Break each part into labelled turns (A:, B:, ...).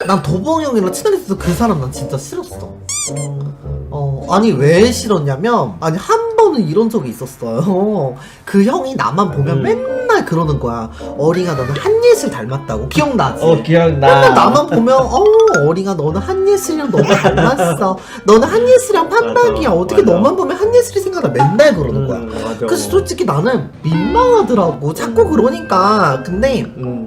A: 난 도봉 형이랑 친하게 있어서 그 사람 난 진짜 싫었어. 아니 왜 싫었냐면, 아니 한 번은 이런 적이 있었어요. 그 형이 나만 보면 맨날 그러는 거야. 어링아 너는 한예슬 닮았다고. 기억나지?
B: 기억나.
A: 맨날 나만 보면 어링아 너는 한예슬이랑 너무 닮았어. 너는 한예슬이랑 판박이야. 어떻게
B: 맞아.
A: 너만 보면 한예슬이 생각나. 맨날 그러는 거야.
B: 맞아.
A: 그래서 솔직히 나는 민망하더라고. 자꾸 그러니까. 근데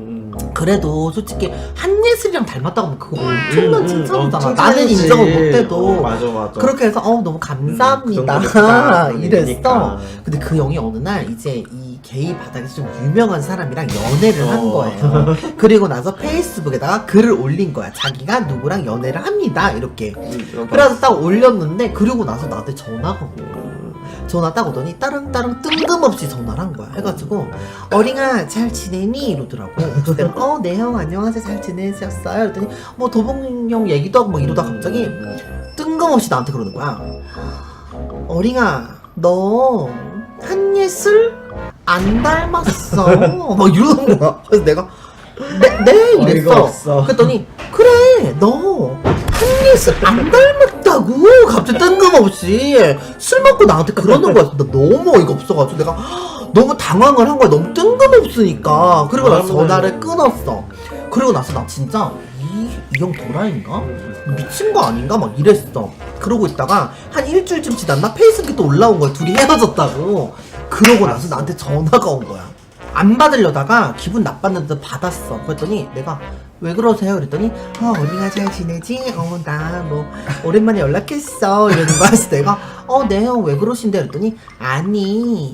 A: 그래도 솔직히 한예슬이랑 닮았다고 하면 그거 엄청난 칭찬이잖아. 나는
B: 칭찬이지.
A: 인정을 못해도
B: 맞아.
A: 그렇게 해서 너무 감사합니다
B: 그런
A: 이랬어.
B: 얘기니까.
A: 근데 그 형이 어느 날 이제 이 게이 바닥에서 좀 유명한 사람이랑 연애를 한 거예요. 그리고 나서 페이스북에다가 글을 올린 거야. 자기가 누구랑 연애를 합니다 이렇게. 그래서 딱 올렸는데, 그리고 나서 나한테 전화가 온 거야. 전화 딱 오더니 따릉따릉 뜬금없이 전화를 한 거야. 해가지고 어링아 잘 지내니? 이러더라고. 그래서 내가 네 형 안녕하세요 잘 지내셨어요? 이랬더니 뭐 도봉 형 얘기도 하고 막 이러다가 갑자기 뜬금없이 나한테 그러는 거야. 어링아 너 한예슬 안 닮았어. 막 이러는 거야. 그래서 내가 네
B: 어이가
A: 이랬어.
B: 없어.
A: 그랬더니 그래 너 한예슬 안 닮았다고 갑자기 뜬금없이 술 먹고 나한테 그러는 거야. 나 너무 어이가 없어가지고 내가 너무 당황을 한 거야. 너무 뜬금없으니까. 그리고 나서 전화를 끊었어. 그리고 나서 나 진짜 이 형 도라인가? 미친 거 아닌가? 막 이랬어. 그러고 있다가 한 일주일쯤 지났나 페이스북에 또 올라온 거야. 둘이 헤어졌다고. 그러고 나서 나한테 전화가 온 거야. 안 받으려다가 기분 나빴는데 받았어. 그랬더니 내가 왜 그러세요? 그랬더니 어린아 잘 지내지? 나 뭐 오랜만에 연락했어 이러는 거야. 그래서 내가 네 형 왜 그러신데? 그랬더니 아니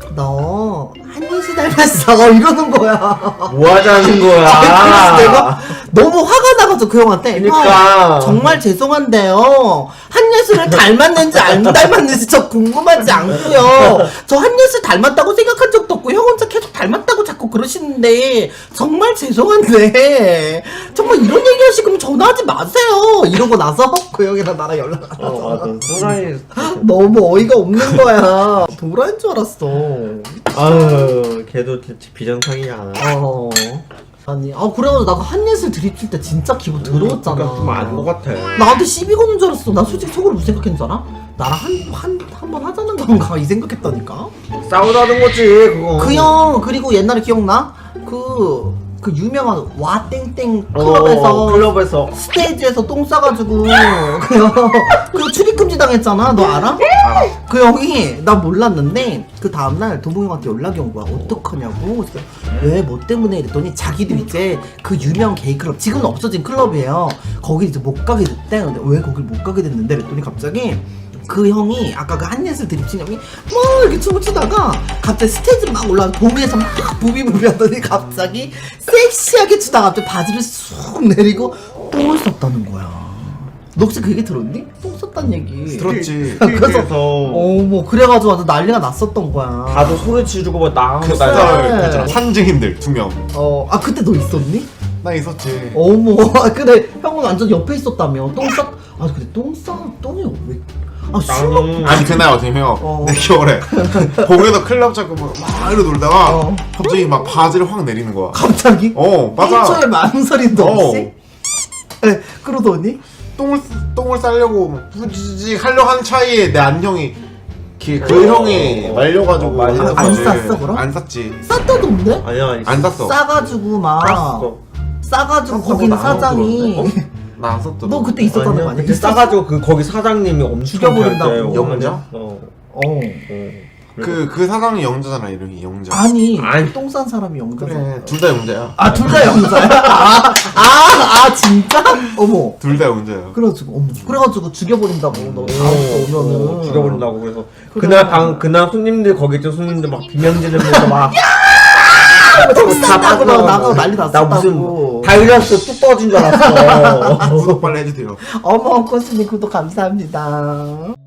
A: 너 한예슬 닮았어 이러는 거야.
B: 뭐 하자는 거야?
A: 그래서 내가 너무 화가 나가지고 그 형한테
B: 그러니까.
A: 형, 정말 죄송한데요 한예슬을 닮았는지 안 닮았는지 저 궁금하지 않고요. 저 한예슬 닮았다고 생각한 적도 없고 형 혼자 계속 닮았다고 자꾸 그러시는데 정말 죄송한데 정말 이런 얘기 하시면 전화하지 마세요 이러고 나서 그 형이랑 나랑 연락 안 하잖아.
B: 맞아. 도라이.
A: 너무 어이가 없는 거야. 도라인 줄 알았어.
B: 아유, 걔도 비정상이야.
A: 아니 그래가지고 나가 한예슬 드립칠 때 진짜 기분 더러웠잖아.
B: 그러니까 좀 아닌 것 같아.
A: 나한테 시비 거는 줄 알았어. 나 솔직히 속으로 무슨 생각했는 줄 알아? 나랑 한 번 하자는 건가 이 생각했다니까.
B: 싸우자는 거지, 그거.
A: 그 형 그리고 옛날에 기억나? 그 유명한 와 땡땡 클럽에서 스테이지에서 똥 싸가지고 그 출입금지 당했잖아. 너 알아? 그 형이 나 몰랐는데 그 다음날 도봉이 형한테 연락이 온 거야. 어떡하냐고. 그래서 왜 뭐 때문에 이랬더니 자기도 이제 그 유명 게이 클럽 지금은 없어진 클럽이에요. 거기 이제 못 가게 됐대. 근데 왜 거길 못 가게 됐는데 그랬더니 갑자기 그 형이 아까 그 한예슬 드립친 형이 막 이렇게 춤을 추다가 갑자기 스테이지 막 올라가 도미에서 막 부비부비 하더니 갑자기 섹시하게 추다가 갑자기 바지를 쑥 내리고 똥을 쌌다는 거야. 너 혹시 그 얘기 들었니? 똥 쌌다는 얘기
C: 들었지.
B: 그래서
A: 뭐 그래가지고 완전 난리가 났었던 거야.
B: 다들 소리 지르고 막 나가고
A: 그
C: 그 산증인들 2명.
A: 그때 너 있었니?
C: 나 있었지.
A: 어머 근데 형은 완전 옆에 있었다며. 근데 똥이 왜 술 먹고
C: 아니 그날 어쩌면 내 기억에 봉에서 클럽 잡고 막 이러고 놀다가 갑자기 막 바지를 확 내리는 거야.
A: 갑자기?
C: 맞아.
A: 1초의 망설임도 없이? 네, 그러더니?
C: 똥을 싸려고 부지직 하려고 하는 차이에 내 안형이 그 형이 말려가지고
B: 말려.
A: 안 쌌어, 그럼?
C: 안 쌌지.
A: 쌌다던데?
B: 아니야,
C: 안 쌌어.
A: 싸가지고 막
B: 쌌어.
A: 싸가지고 거기는 사장이
C: 나 안 쌌더라.
A: 너 그때 있었다는 거 아니야?
B: 그때 싸가지고 거기 사장님이 엄청
A: 죽여버린다고.
C: 영자?
B: 그래.
C: 그 사장이 영자잖아. 이름이 영자.
A: 아니
B: 아니.
A: 똥 싼 사람이 영자잖아.
C: 그래 둘 다 영자야.
A: 둘 다 영자야? 진짜? 어머
C: 둘 다 영자야.
A: 그래가지고 죽여버린다고. 너 다음 주 오면은
B: 죽여버린다고 그래서
A: 그래.
B: 그날 손님들 거기 있던 손님들 막 비명 지르면서 막
A: 똥 싼다고 막 나가고 난리
B: 나
A: 났었다고.
B: 무슨 바이러스 뚝 떨어진 줄 알았어.
C: 구독 빨리 해주세요.
A: 어머 코스님 구독 감사합니다.